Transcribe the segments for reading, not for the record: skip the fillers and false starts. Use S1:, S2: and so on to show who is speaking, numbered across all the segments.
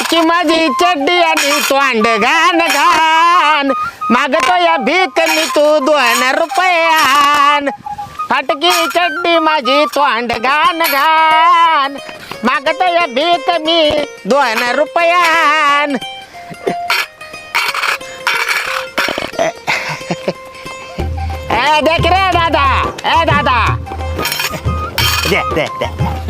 S1: फाटकी माझी चड्डी आणि तोंड घाण घाण मागतो या भीक मी तू 2 रुपयान फाटकी चड्डी माझी तोंड घाण घाण मागतो या भीक मी 2 रुपयान देख रे दादा दादा दे दे दे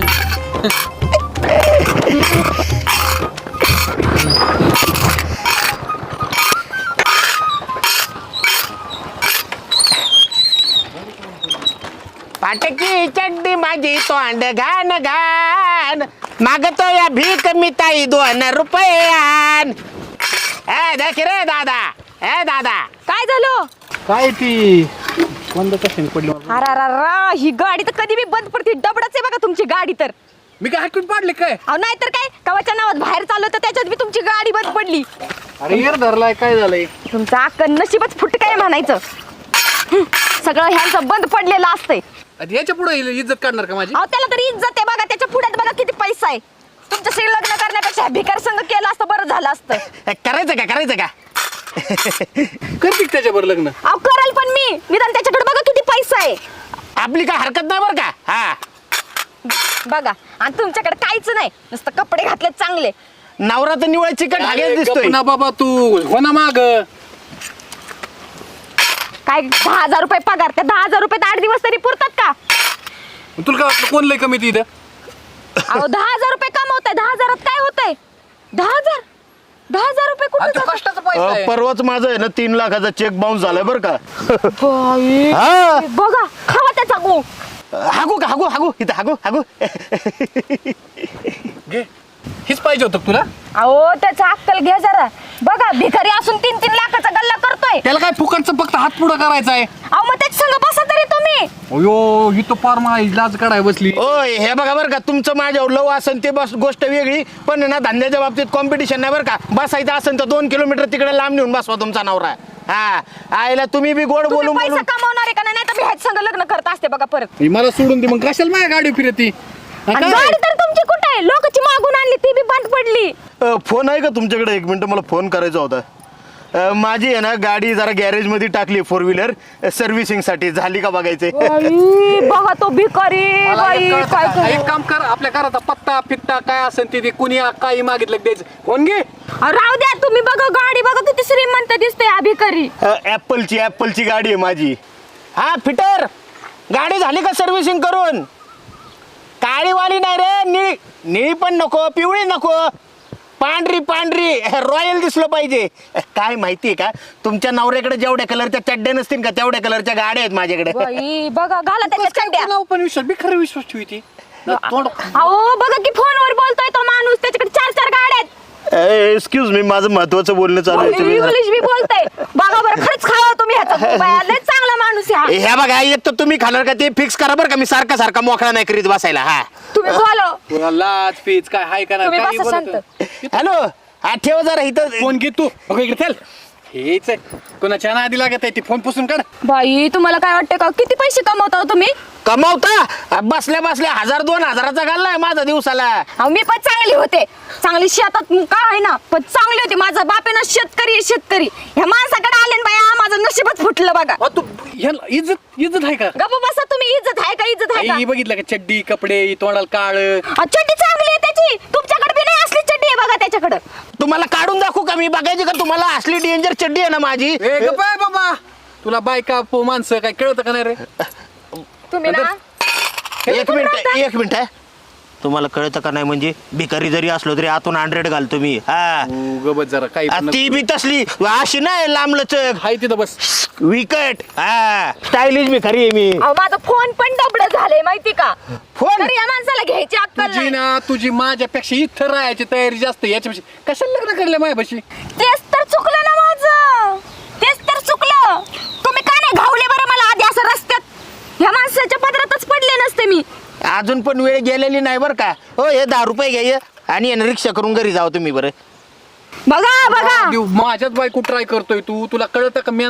S1: फाटकी चड्डी माझी तोंड घाण घाण मागतो या भीक मी ताई 2 रुपयान देख रे दादा दादा
S2: काय झालं
S3: काय ती बंद कशाने पडली
S2: अरा ही गाडी तर कधी बी बंद पडते डबडच आहे बघा तुमची गाडी तर
S3: मी काय हाकून पाडले काय
S2: अहो नाही तर काय कवाच्या नावात बाहेर चाललो तर त्याच्यात बी तुमची गाडी बंद पडली
S3: अरे यार धरलाय काय झालंय
S2: तुमचं अक्कल नशीबच फुट काय म्हणायचं सगळं ह्यांचं बंद पडलेलं असतंय
S3: याच्या पुढे इज्जत काढणार का माझी
S2: अहो त्याला तरी इज्जत आहे बघा त्याच्या पुढ्यात बघा किती पैसा आहे तुमच्याशी लग्न करण्यापेक्षा भिकार संघ केलं असतं बरं झालं असतं
S1: करायचं का
S3: करते त्याच्यावर लग्न
S2: अहो कराल पण मी निदान त्याच्याकडे बघा किती पैसा आहे
S1: आपली काय हरकत नाही बरं का हा
S2: बघा आणि तुमच्याकडे काहीच नाही नुसतं कपडे घातले चांगले
S1: नवरा तर निवळ चिकट हागेच दिसतोय
S3: ना बाबा तू हो ना माग
S2: काय 10,000 रुपये पगार त्या 10,000 रुपये 8 दिवस तरी पुरतात का
S3: तुला काय वाटलं कोण लय कमी ती इथं
S2: अहो 10,000 रुपये कमवताय 10,000 काय होतंय 10,000 रुपये कुठे जातात?
S3: कष्टाचा पैसा आहे.
S1: परवाच माझं आहे ना 3 लाखाचा चेक बाउन्स झालाय बरं का
S2: बाई,
S1: हा.
S2: बघा खावा त्याचा गो
S1: हागू इथं हागू
S3: घे हीच पाहिजे होतं का तुला
S2: अहो त्याचा अक्कल घ्या जरा बघा भिकारी असून 3-3 लाखाचा गल्ला करतोय
S3: त्याला काय फुकटचं फक्त हात पुढं करायचा आहे
S2: अहो मग त्याच्या संग बसा तरी तुम्ही
S3: अयो ही तो पार माझी लाज काढाय बसली
S1: ओय हे बघा बरं का तुमचं माझ्यावर लव असेल ते बस गोष्ट वेगळी पण ना धंद्याच्या बाबतीत कॉम्पिटिशन नाही बरं का बसायचं असेल तर 2 किलोमीटर तिकडे लांब नेऊन बसवा तुमचा नवरा हा आईला तुम्ही बी गोड
S2: तुम्ही
S1: बोलून
S2: पैसा कमावणार आहे का नाही तर मी ह्याच संग लग्न करत असते बघा परत
S3: मला सोडून दे मग कशाला माझ्या गाडी फिरती
S2: आणि गाडी तर तुमची कुठे आहे लोकांची मागून आणली ती बी बंद पडली
S1: फोन आहे का तुमच्याकडे 1 मिनिट मला फोन करायचा होता माझी आहे ना गाडी जरा गॅरेज मध्ये टाकली 4 व्हीलर सर्व्हिसिंग साठी झाली का बघायचे
S2: बाई, बघा तो भिकारी बाई काय
S3: एक काम कर आपल्या घराचा पत्ता फित्ता काय असेल ते कुणी काही मागितलं की द्यायचं फोन घे
S2: राहू द्या तुम्ही बघा गाडी बघा किती श्रीमंत दिसते हा भिकारी
S1: ऍपलची गाडी आहे माझी हा फिटर गाडी झाली का सर्व्हिसिंग करून काळीवाली नाही रे निळी पण नको पिवळी नको पांढरी रॉयल दिसलं पाहिजे काय माहितीये का तुमच्या नवऱ्याकडे जेवढ्या कलरच्या चड्ड्या नसतील का तेवढ्या कलरच्या गाड्या आहेत माझ्याकडे
S2: बाई बघा घाला त्याच्या चड्ड्या
S3: नाव पण विश्वास मी खरं विश्वास ठेवती
S2: अहो बघा की फोनवर बोलतोय तो माणूस त्याच्याकडे 4 गाड्या आहेत
S1: एक्सक्यूज मी माझं महत्वाचं बोलणं चालू आहे तुम्ही
S2: इंग्लिश बी बोलतोय बघा बरं खरंच खावा तुम्ही ह्याचा लय चांगला माणूस आहे हा.
S1: ह्या बघा एक तर तुम्ही खाणार का ते फिक्स करा बरं का मी सारखा मोकळा नाही करीत बसायला हा
S2: तुम्ही बोलो
S3: लाज पीच काय हाय का
S2: तुम्ही
S3: नाही
S2: बसा शांत
S1: हॅलो हा ठेव जरा इथं
S3: फोन घे तू बघ इकडे चल हेच आहे कोणाच्या आधी लागत आहे ती फोन पुसून काढ
S2: बाई तुम्हाला काय वाटतं का किती पैसे कमवता हो तुम्ही
S1: कमावता बसल्या 1000-2000चा घाललाय माझा दिवसाला
S2: अहो मी पण चांगली होते चांगली शेतात काय आहे ना पण चांगली होती माझा बाप आहे ना शेतकरी ह्या माणसाकडे आले ना बाया माझं नशीबच फुटलं बघा
S3: तू ह्याला इज्जत आहे का
S2: गप्प बसा तुम्ही इज्जत आहे का
S3: आई बघितलं का चड्डी कपडे तोंडाला काळ
S2: चड्डी चांगली आहे त्याची तुमच्याकडे बी नाही असली चड्डी आहे बघा त्याच्याकडे
S1: तुम्हाला काढून दाखवू का मी बघायची का तुम्हाला असली डेंजर चड्डी आहे ना माझी
S3: बाबा तुला बायका माणसं काय कळतं का नाही रे
S2: तुम्ही ना
S1: एक मिनिट आहे तुम्हाला कळतं का नाही म्हणजे भिकारी जरी असलो तरी आतून 100 घालतो मी हा
S3: गबत जरा काही
S1: ती बी तसली अशी नाही लांबलचक
S3: हाय तिथं बस
S1: विकट हा स्टायलिश भिकारी आहे मी
S2: अहो माझा फोन पण डबड झालंय माहिती का
S1: फोन
S2: तर या माणसाला घ्यायची अक्कल
S3: तुझी
S2: नाही
S3: ना तुझी माझ्यापेक्षा इथं राहायची तयारी जास्त याच्यापेक्षा कशाला लग्न करले माझ्यापाशी
S2: तेच तर चुकलं ना माझं तेच तर चुकलं तुम्ही का नाही घावले बरं मला आधी असं रस्त्यात ह्या माणसाच्या पदरातच पडले नसते मी
S1: अजून पण वेळ गेलेली नाही बरं का हो हे 10 रुपये घ्या आणि रिक्षा करून घरी जाऊ तुम्ही बरं
S2: बघा
S3: माझ्याच बायको ट्राय करतोय तू तुला कळतं का मॅनर्स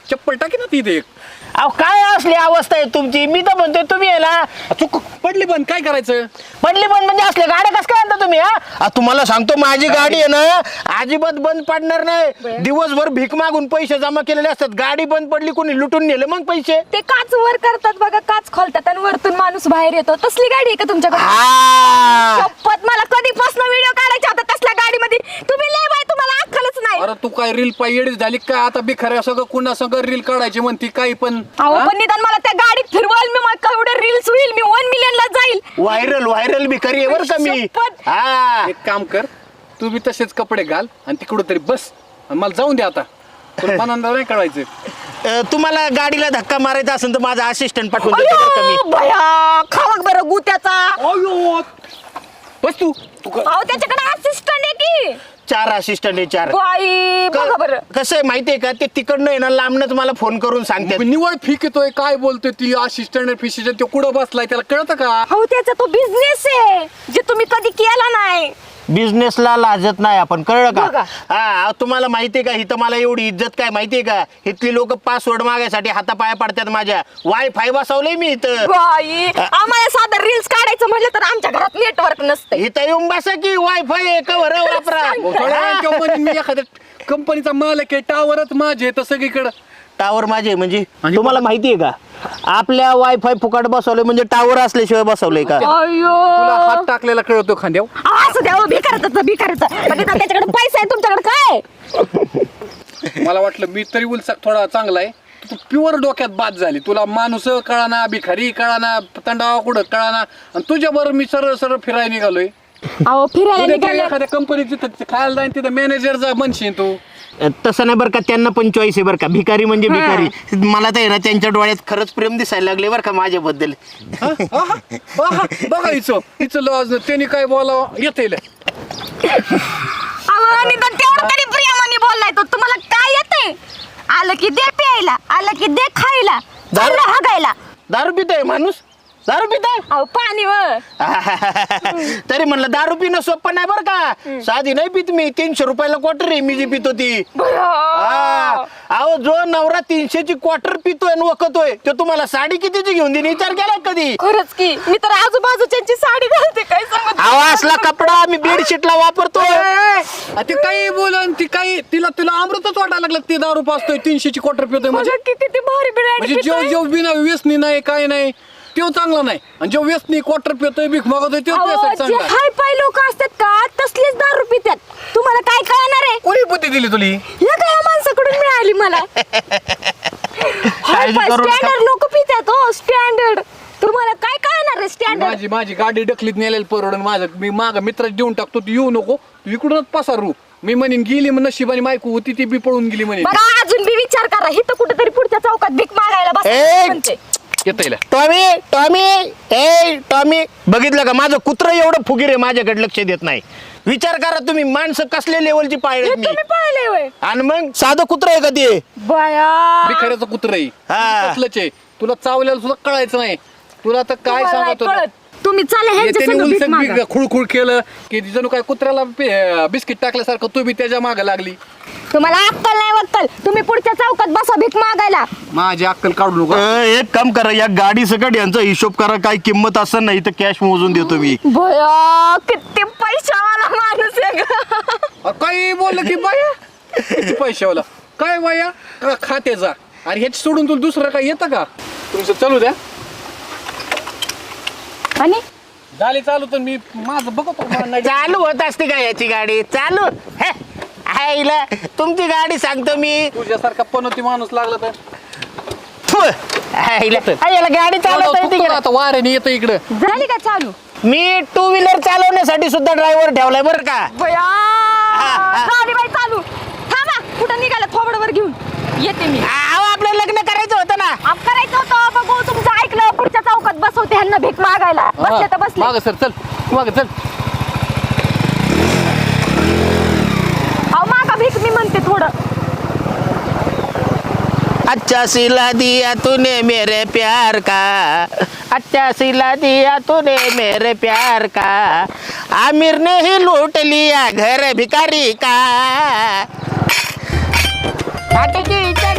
S3: चप्पल टाकी ना तिथे एक.
S1: अहो काय असली अवस्था आहे तुमची. मी तर म्हणतोय तुम्ही याला
S3: चुक पडली पण काय करायचं.
S1: पडली पण म्हणजे असले गाड्या कसं काय आणता तुम्ही हा. तुम्हाला सांगतो माझी गाडी आहे ना अजिबात बंद पडणार नाही. दिवसभर भीक मागून पैसे जमा केलेले असतात. गाडी बंद पडली कोणी लुटून नेले मग पैसे.
S2: ते काच वर करतात बघा, काच खोलतात आणि वरतून माणूस बाहेर येतो. तसली गाडी आहे का तुमच्याकडे?
S1: हा.
S2: शपथ मला कधीपासून व्हिडिओ काढायचा होता तसल्या गाडीमध्ये. तुम्ही लय बाय, तुम्हाला अक्कलच नाही.
S3: अरे तू काय रील पाय येडीच झाली काय. आता बिखऱ्या सगळं कुणा सगळं रील काढायची म्हणती काही पण.
S2: अहो
S3: हा?
S2: पण निदान मला त्या गाडीत फिरवाल मी, मला एवढे रील्स होईल, मी 1 मिलियन ला जाईल.
S1: व्हायरल भिकारी आहे बरं का मी.
S2: शपथ.
S1: हा.
S3: एक काम कर, तू बी तसेच कपडे घाल आणि तिकडं तरी बस आणि मला जाऊन दे आता. तुला मनांदा नाही कळायचं.
S1: तुम्हाला गाडीला धक्का मारायचा असेल तर माझा असिस्टंट पाठवून देतो बरं का मी.
S2: अयो, भया खावा बरं गुत्याचा.
S3: अयो बस तू
S2: अहो त्याच्याकडे असिस्टंट आहे की.
S1: 4 असिस्टंट आहे 4.
S2: बाई बघा बरं.
S1: कसं आहे माहितीये का ते तिकडनं आहे ना लांबनच मला फोन करून सांगतात.
S3: निवड फीक येतोय काय बोलतोय ती असिस्टंट फिशिस्टंट. तो कुठं बसलाय त्याला कळतं का.
S2: अहो त्याचा तो बिझनेस आहे जे तुम्ही कधी केला नाही.
S1: बिझनेसला लाजत नाही आपण, कळलं
S2: बघा.
S1: का. हा तुम्हाला माहितीये का इथं मला एवढी इज्जत काय माहितीये का. इथली लोक पासवर्ड मागायसाठी हातापाया पडतात माझ्या. वायफाय बसवलंय मी इथं.
S2: बाई आम्हाला साधं रील्स काढायचं म्हटलं तर आमच्या घरात नेटवर्क नसतं.
S1: इथं येऊन बसा की वायफाय कवर वापरा.
S3: मग थोड्या वेळाने तो म्हणेन मी एखाद्या कंपनीचा मालक आहे टावरच माझे तर सगळीकडं.
S1: टावर माझे म्हणजे
S3: आणि
S1: तुम्हाला माहितीये का आपल्या वायफाय फुकट बसवलंय म्हणजे टावर असल्याशिवाय बसवलंय का.
S3: तुला हात
S2: अयो
S3: टाकलेला कळतो खांद्यावर.
S2: असं द्या भिकारचं पण निदान त्याच्याकडे पैसा आहे, तुमच्याकडे काय?
S3: मला वाटलं मी तरी उलसाक थोडा चांगला आहे. तू प्युअर डोक्यात बाद झाली. तुला माणूस कळाना, भिखारी कळाना, तंडावा कुठं कळाना आणि तुझ्याबरोबर मी सरळ सरळ फिरायला निघालोय.
S2: अहो फिरायला
S3: उद्या त्या
S2: निघाले.
S3: एखाद्या कंपनीत जिथं खायला जाईन तिथं मॅनेजरचा म्हणशील तू.
S1: तसं नाही बरं का. त्यांना पण चॉईस आहे बरं का. भिकारी म्हणजे भिकारी. मला तर आहे ना त्यांच्या डोळ्यात खरंच प्रेम दिसायला लागले बरं का माझ्याबद्दल.
S3: बघा हिचं लॉज त्यांनी काय बोलावं येते.
S2: अहो निदान तेवढं तरी प्रियामाने बोललाय तो. तुम्हाला काय येते? आलं की दे प्यायला, आलं की दे खायला, चाललं हागायला.
S1: दारू पितोय माणूस. दारू पितोय.
S2: अहो पाणी वर.
S1: तरी म्हणलं दारू पिणं सोपं नाही बरं का. साधी नाही पित मी. 300 रुपयाला क्वार्टर आहे मी जी पितो ती. हा. अहो जो नवरा 300ची क्वार्टर पितोय आणि वखतोय तो तुम्हाला साडी कितीची घेऊन देईन विचार केला कधी.
S2: खरंच की मी तर आजूबाजूच्यांची साडी घालते काय सांगत.
S1: अहो असला कपडा मी बेडशीटला वापरतोय.
S3: ते काही बोलन ती काही तिला अमृतच वाटायला लागलं. ते दारू पाचतोय 300ची क्वार्टर पितोय म्हणजे.
S2: म्हणजे किती ते भारी
S3: म्हणजे जेव बिना व्यसनी नाही काय नाही तो चांगला नाही. आणि जो व्यसनी क्वार्टर पितोय भीक मागतोय तो पैसा चांगला.
S2: हाय पाय लोक असतात का तसलेच दारू पितात. तुम्हाला काय कळणार आहे?
S3: कोणी बुद्धी दिली तुली.
S2: या काय माणसाकडून मिळाली मला. स्टँडर्ड लोक पितात हो स्टँडर्ड. तुम्हाला काय कळणार आहे स्टँडर्ड.
S3: माझी गाडी डकलीत नेलेली परवडून माझं मी माग मित्रात देऊन टाकतो. तू येऊ नको तू इकडूनच पसारू. मी म्हणेन गेली मग नशिबाने मायकू होती ती बी पळून गेली म्हणे.
S2: बघा अजून बी विचार करा. इथं कुठेतरी पुढच्या चौकात भीक मागायला बस म्हणते.
S3: येता
S1: टॉमी बघितलं का माझं कुत्र एवढं फुगीर आहे माझ्याकडे लक्ष देत नाही. विचार करा तुम्ही माणसं कसल्या लेवलची पाळले मी.
S2: तुम्ही पळले होय.
S1: आणि मग साधं कुत्र आहे का ते.
S2: बया
S3: भिकाऱ्याचं कुत्र
S1: हा.
S3: कसलंच आहे. तुला चावल्याला सुद्धा कळायचं नाही. तुला तर काय
S2: तुम्हाला नाही
S3: सांगतो
S2: कळत. तुम्ही चला ह्यांच्या
S3: त्याने
S2: संग भीक मागा.
S3: उलसक खुळखुळ केलं की जणू काय कुत्र्याला बिस्किट टाकल्यासारखं तू बी त्याच्या मागे लागली.
S2: तुम्हाला अक्कल नाही वक्कल. तुम्ही पुढच्या चौकात बसा भीक मागायला.
S3: माझी अक्कल काढू नको.
S1: एक काम करा या गाडी सकट यांचा हिशोब करा. काय किंमत असं नाही तर कॅश मोजून देतो मी.
S2: बया किती पैशावाला माणूस आहे ग.
S3: काही बोललं की बाया किती पैशावाला काय बाया का खात्याचा. आणि ह्याच सोडून तुला दुसरं काय येतं का. तुमचं चालू द्या.
S2: आणि
S3: झाली चालू तर मी माझं बघतो.
S1: चालू होत असते का याची गाडी चालू. हे, आईला तुमची गाडी सांगतो मी.
S3: तुझ्यासारखा पनोती माणूस लागला तर
S1: फु, याला गाडी चालवता येते का?
S3: आता वाऱ्याने येतं इकडं.
S2: झाली का चालू?
S1: मी 2 व्हीलर चालवण्यासाठी सुद्धा ड्रायव्हर ठेवलाय बरं का.
S2: बया
S1: हा.
S2: झाली बाई चालू. थांबा कुठं निघाला थोबडवर घेऊन येते मी.
S1: अहो आपलं लग्न करायचं होतं ना.
S2: आप करायचं होतं बघू तुमचं ऐकलं. पुढच्या चौकात बसवते ह्यांना भीक मागायला. बसले तर बसले.
S3: माग सर चल माग चल.
S2: अहो मागा भीक मी म्हणते थोडं.
S1: अच्छा सिला दिया तूने मेरे प्यार का. अच्छा सिला दिया तूने मेरे प्यार का. आमिर ने ही लूट लिया घर भिखारी का. आटे की